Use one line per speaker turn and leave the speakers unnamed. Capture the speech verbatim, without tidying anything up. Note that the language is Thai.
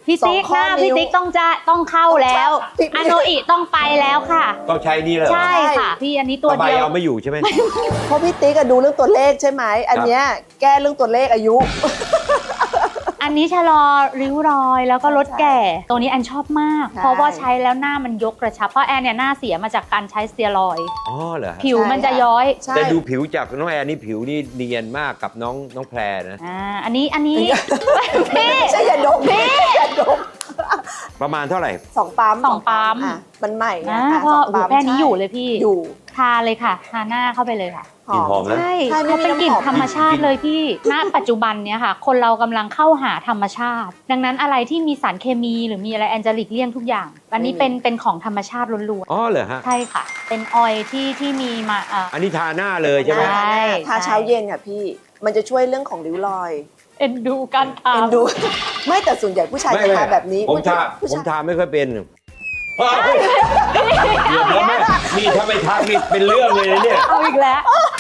พี่ติ๊กหน้าพี่ติ๊กต้องจะต้องเข้าแล้วอโนอิต้องไปแล้วค่ะ
ต้องใช้นี่เลยเหรอ
ใช่ค่ะ พี่อันนี้ตัว
สบา
เดียว
เอาไม่อยู่ใช่ไหม
เพราะพี่ติ๊กอะดูเรื่องตัวเลขใช่ไหมอันเนี้ยแก้เรื่องตัวเลขอายุ
อันนี้ชะลอริ้วรอยแล้วก็ลดแก่ ตัวนี้แอนชอบมาก
ใช่
เพราะว่าใช้แล้วหน้ามันยกกระชับเพราะแอนเนี่ยหน้าเสียมาจากการใช้สเตียรอยด์
อ๋อเหรอฮะ
ผิวมันจะย้อย
ใช่
แต่ดูผิวจากน้องแอนนี่ผิวนี่เนียนมากกับน้องน้องแพรนะ
อ่าอันนี้อันนี้พี่
ไม่ใช่ยาดมพี่ยาดม
ประมาณเท่าไหร่
สองปั๊ม
สองปั๊ม
อ่ะมันใหม่ไง
อ่า
อ่ะ
พอ
สง
หู
ปั๊ม
แค่นี้
ใช่
อยู่เลยพี่
อยู่
ทาเลยค่ะทาหน้าเข้าไปเลยค่ะ
กลิ่นหอมนะ
ใช่
ใช่ไม่
เขา
มี
เป็นกลิ่น
น้ำหอม
ธรรมชาติเลยพี่ณปัจจุบันเนี้ยค่ะ คนเรากำลังเข้าหาธรรมชาติ ดังนั้นอะไรที่มีสารเคมีหรือมีอะไรแอนเจลิกเลี่ยงทุกอย่าง อันนี้เป็นเป็นของธรรมชาติล้วน
อ๋อเหรอฮะ
ๆใช่ค่ะ เป็นออยล์ที่ที่มีมาเอ่อ
อันนี้ทาหน้าเลยใช่ไหม
ใช่
ทาเช้าเย็นค่ะพี่ มันจะช่วยเรื่องของริ้วรอย
เอ็นดูการทา
เอ็นดู ไม่แต่ส่วนใหญ่ผู้ชาย
ไม่
จะ
ไม่
ทาแบบนี้
ผมทา
ผู้
ผม
ชาย
ทาไม่ค่อยเป็นเดี๋ยวแล้วแม่นี่ถ้าไม่ทักนี่เป็นเรื่องเลยนะเนี่ย
เอาอีกแล้ว